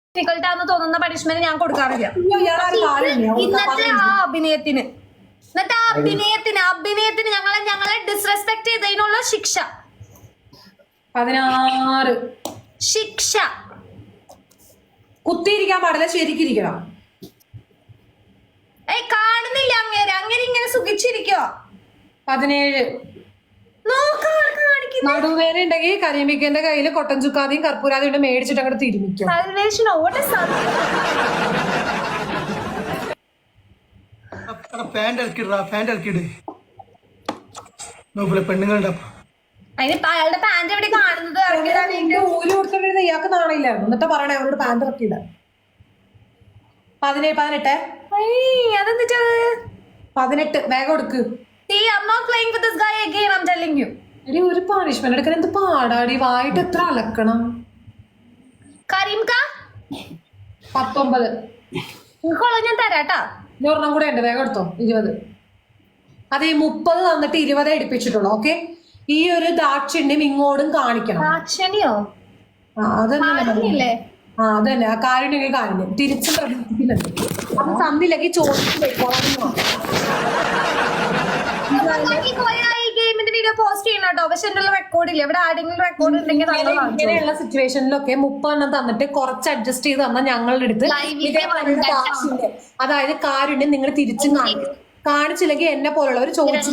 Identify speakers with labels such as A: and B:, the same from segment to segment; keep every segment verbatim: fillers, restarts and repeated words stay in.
A: Difficult ആണെന്ന് തോന്നുന്ന punishment ഞാൻ കൊടുക്കാറില്ല ഇന്നത്തെ ആ അഭിനയത്തിന് ഇന്നത്തെ ആ അഭിനയത്തിന് അഭിനയത്തിന് ഞങ്ങളെ ഞങ്ങളെ ഡിസ്റെസ്പെക്ട് ചെയ്തതിനുള്ള ശിക്ഷ
B: പതിനാറ്
A: ശിക്ഷ
B: കുത്തിയിരിക്കാൻ പാടില്ല, ശരിക്കിരിക്കണം.
A: ഏയ് കാണുന്നില്ല അങ്ങേരെ, അങ്ങനെ ഇങ്ങനെ സുഖിച്ചിരിക്കോ.
B: പതിനേഴ് നടുവേന ഉണ്ടെങ്കിൽ കരിമിക്കന്റെ കയ്യില് കൊട്ടൻ ചുക്കാതെയും കർപ്പൂരാതെയും ഉണ്ട്, മേടിച്ചിട്ട് അങ്ങോട്ട് തിരുമിക്കും.
C: പെണ്ണുങ്ങളുടെ
A: അയാളുടെ പാന്റ് എവിടെ കാണുന്നത്?
B: ഊരി കൊടുത്തിട്ട് ഇയാൾക്ക് നാണില്ലായിരുന്നു, എന്നിട്ട് പറയണേ അവരോട് പാന്റ് ഇറക്കിയില്ല. പതിനേഴ് പതിനെട്ട്
A: അതെന്തിട്ട്
B: പതിനെട്ട് വേഗം കൊടുക്ക്. എടി ഒരു പണിഷ്മെന്റ് എടുക്കാൻ എന്ത് പാടാടി, വായിട്ട് എത്ര അലക്കണം. പത്തൊമ്പത്
A: ഞാൻ തരാട്ടാ,
B: ഒരെണ്ണം കൂടെ ഉണ്ട്, വേഗം എടുത്തോ. ഇരുപത്. അത് ഈ മുപ്പത് തന്നിട്ട് ഇരുപതേ എടുപ്പിച്ചിട്ടുള്ളൂ. ഓക്കെ, ഈ ഒരു ദാക്ഷിണ്യം ഇങ്ങോട്ടും കാണിക്കണം.
A: ദാക്ഷിണ്യോ?
B: ആ അതല്ലേ ആ അതന്നെ ആ കാരുണ്യം കാരുണ്യം തിരിച്ചും പ്രവർത്തിക്കുന്നുണ്ട്. അത് തന്നില്ലെങ്കിൽ ചോദിച്ചു ഇങ്ങനെയുള്ള സിറ്റുവേഷനിലൊക്കെ മുപ്പെണ്ണം തന്നിട്ട് കുറച്ച് അഡ്ജസ്റ്റ് ചെയ്ത് തന്നാൽ ഞങ്ങളുടെ അടുത്ത് അതായത് കാരുണ്യം നിങ്ങൾ തിരിച്ചും കാണിക്കും. കാണിച്ചില്ലെങ്കിൽ എന്നെ പോലുള്ളവർ ചോദിച്ചു.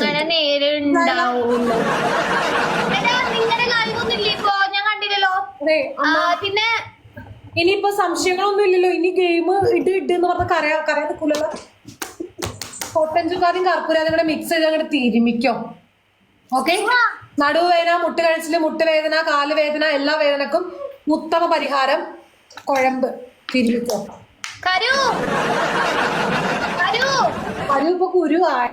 A: പിന്നെ
B: ഇനിയിപ്പോ സംശയങ്ങളൊന്നും ഇല്ലല്ലോ, ഇനി ഗെയിം ഇട്ട് ഇട്ട് എന്ന് പറഞ്ഞ കരയാ കരയാൻ നിൽക്കൂലല്ലോ. കൊട്ടൻ ചുക്കാരും കർപ്പൂരാതും കൂടെ മിക്സ് ചെയ്ത് അങ്ങോട്ട് തിരുമിക്കോ. ഓക്കെ, നടുവേദന, മുട്ടുകഴിച്ചില്, മുട്ടുവേദന, കാലുവേദന, എല്ലാ വേദനക്കും ഉത്തമ പരിഹാരം കുഴമ്പ് തിരുമിക്കോ.
A: കരു
B: ഇപ്പൊ കുരു ആയി.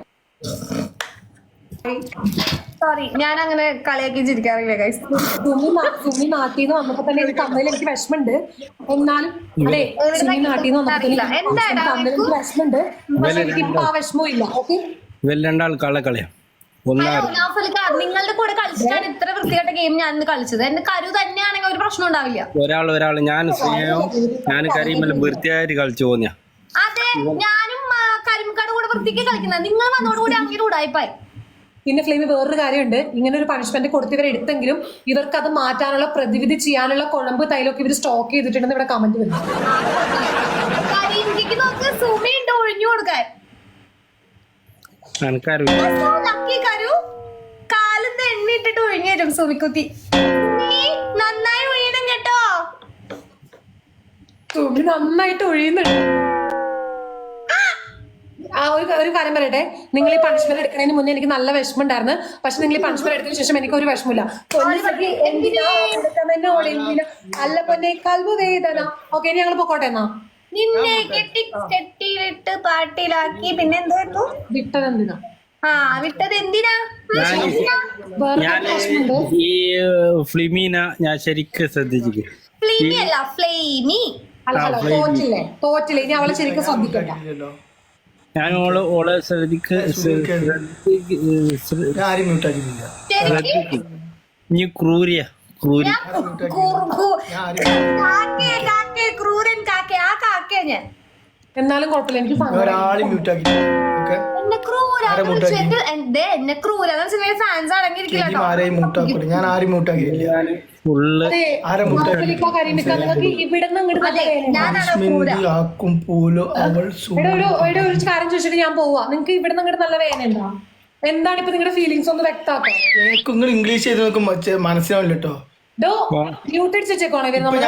A: സോറി, ഞാൻ അങ്ങനെ കളിയാക്കി ചിരിക്കാറില്ല ഗൈസ്.
B: സുമി നാട്ടിൽ നിന്ന് വന്നപ്പോ തന്നെ എനിക്ക് തമ്മിൽ എനിക്ക് വിഷമുണ്ട്. എന്നാലും അതെ, സുമി നാട്ടിൽ നിന്ന് വന്നപ്പോ തമ്മിൽ എനിക്ക് വിഷമുണ്ട്. പക്ഷെ എനിക്ക് ഇപ്പൊ ആ വിഷമവും ഇല്ല. ഓക്കെ,
D: രണ്ടാൾ കളക്കളയാ.
A: നിങ്ങളുടെ കൂടെ കളിച്ചിട്ടാണ് ഇത്ര വൃത്തികെട്ട ഗെയിം ഞാൻ ഇന്ന് കളിച്ചത്. എന്റെ കരു തന്നെയാണെങ്കിൽ ഒരു പ്രശ്നം ഉണ്ടാവില്ല.
D: ഒരാൾ ഒരാൾ ഞാൻ ഞാൻ കരിമല്ല വൃത്തിയായിട്ട് കളിച്ചു പോന്നിയാ.
A: അതെ, ഞാനും കരിമക്കാട് കൂടെ വൃത്തിക്ക് കളിക്കുന്നത്. നിങ്ങൾ വന്നോടുകൂടി അങ്ങനെ ഉടായിപ്പായി.
B: പിന്നെ ഫ്ലെയിമി വേറൊരു കാര്യമുണ്ട്, ഇങ്ങനെ ഒരു പണിഷ്മെന്റ് കൊടുത്തിവരെ എടുത്തെങ്കിലും ഇവർക്ക് അത് മാറ്റാനുള്ള പ്രതിവിധി ചെയ്യാനുള്ള കുഴമ്പ് തൈലൊക്കെ ഇവർ സ്റ്റോക്ക് ചെയ്തിട്ടുണ്ടെന്ന് ഇവിടെ കമന്റ് വരുന്നു.
A: ഒഴിഞ്ഞു കൊടുക്കാൻ കാലത്ത് എണ്ണ ഇട്ടിട്ട് ഒഴിഞ്ഞു തരും സുമിക്കുത്തി. നന്നായി ഒഴിയണം കേട്ടോ.
B: സുമി നന്നായിട്ട് ഒഴിയുന്നുണ്ട്. ആ ഒരു ഒരു കാര്യം പറയട്ടെ, നിങ്ങൾ ഈ പണിഷ്മെന്റ് എടുക്കുന്നതിന് മുന്നേ എനിക്ക് നല്ല വിഷമം ഉണ്ടായിരുന്നു. പക്ഷെ നിങ്ങൾ ഈ പണിഷ്മെന്റ് എടുത്തതിന് ശേഷം എനിക്ക് ഒരു വിഷമില്ല. അല്ല പൊന്നെ കൽവ് വേദന. ഓക്കെ, ഇനി ഞങ്ങൾ പൊക്കോട്ടെ എന്നാ.
A: നിന്നെ കെട്ടി കെട്ടിയിട്ട് പാട്ടിലാക്കി പിന്നെ എന്തായിരുന്നു
B: വിട്ടത് എന്തിനാ?
A: ആ വിട്ടത് എന്തിനാ?
D: ഈ ഫ്ലിമീന ഞാൻ ശരിക്കും ശ്രദ്ധിച്ചിരിക്കും.
A: ഫ്ലെയിമി അല്ല ഫ്ലെയിമി.
B: തോറ്റില്ലേ തോറ്റില്ലേ ഇനി അവളെ ശരിക്കും ശ്രദ്ധിക്കണ്ട.
D: ഞാൻ ഓള് ഓളെ ശ്രദ്ധിക്ക് നീ ക്രൂരിയ ക്രൂരി
B: എന്നാലും കുഴപ്പമില്ല, എനിക്ക്
A: എന്നെ ക്രൂര ഫാൻസ് അടങ്ങിയിരിക്കില്ല.
B: ഒരു കാര്യം ചോദിച്ചിട്ട് ഞാൻ പോവാ. നിങ്ങൾക്ക് ഇവിടെ നിന്ന് അങ്ങോട്ട് നല്ല വേദന ഉണ്ടോ? എന്താണ് ഇപ്പൊ നിങ്ങളുടെ ഫീലിങ്സ് ഒന്ന് വ്യക്തമാക്കാം.
C: ഇംഗ്ലീഷ് ചെയ്ത് നോക്കുമ്പോ മനസ്സിലാവില്ല കേട്ടോ.
B: മ്യൂട്ട് അടിച്ചേക്കോണേ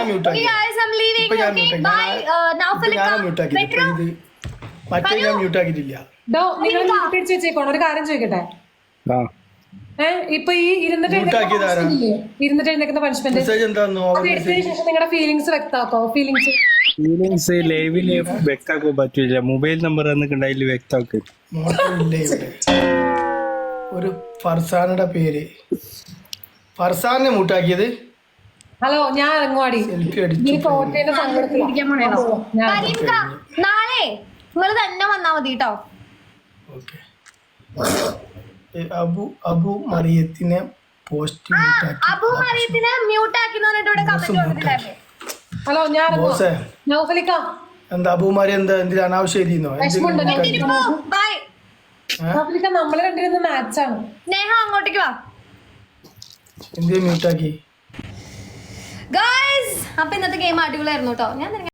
B: ഒരു കാര്യം ചോദിക്കട്ടെ. ഏഹ് ഇപ്പൊ ഈ ഇരുന്നിട്ട് ഇരുന്നിട്ട് എഴുന്നേക്കുന്ന പണിഷ്മെന്റ് എടുത്തതിന് ശേഷം നിങ്ങളുടെ ഫീലിങ്സ് വ്യക്തമാക്കോ. ഫീലിങ്സ്
D: ഫീലിങ്സ് ലൈവില് വ്യക്താക്കാൻ പറ്റൂല. മൊബൈൽ നമ്പർ എന്നൊക്കെ വ്യക്താക്കും.
C: ഒരു ഫർസാനയുടെ പേര് ഫർസാനെ മൂട്ടാക്കിയത്.
A: ഹലോ, ഞാൻ ഇറങ്ങുവാടി. നാളെ നിങ്ങൾ തന്നെ വന്നാ മതി കേട്ടോ.
C: അബു അബു മറിയത്തിനെ പോസ്റ്റ്
A: അബു മറിയത്തിനെ മ്യൂട്ട് ആക്കി കമന്റ്
B: ഹലോ ഞാൻ
C: ബോസേ
B: നൗഫലിക്ക
C: എന്താ അബൂമാരി എന്താ എന്തിനാ അനാവശ്യം എഴുതിയെന്നോ
B: വിഷമുണ്ടോ
A: ബൈ
B: നൗഫലിക്ക നമ്മള് രണ്ടിരുന്ന മാച്ചാണ്.
A: നേഹ അങ്ങോട്ടേക്ക് വാ
C: എന്തിനാ മ്യൂട്ടാക്കി?
A: ഗൈസ്. അപ്പൊ ഇന്നത്തെ ഗെയിം അടിപൊളിയായിരുന്നു കേട്ടോ. ഞാൻ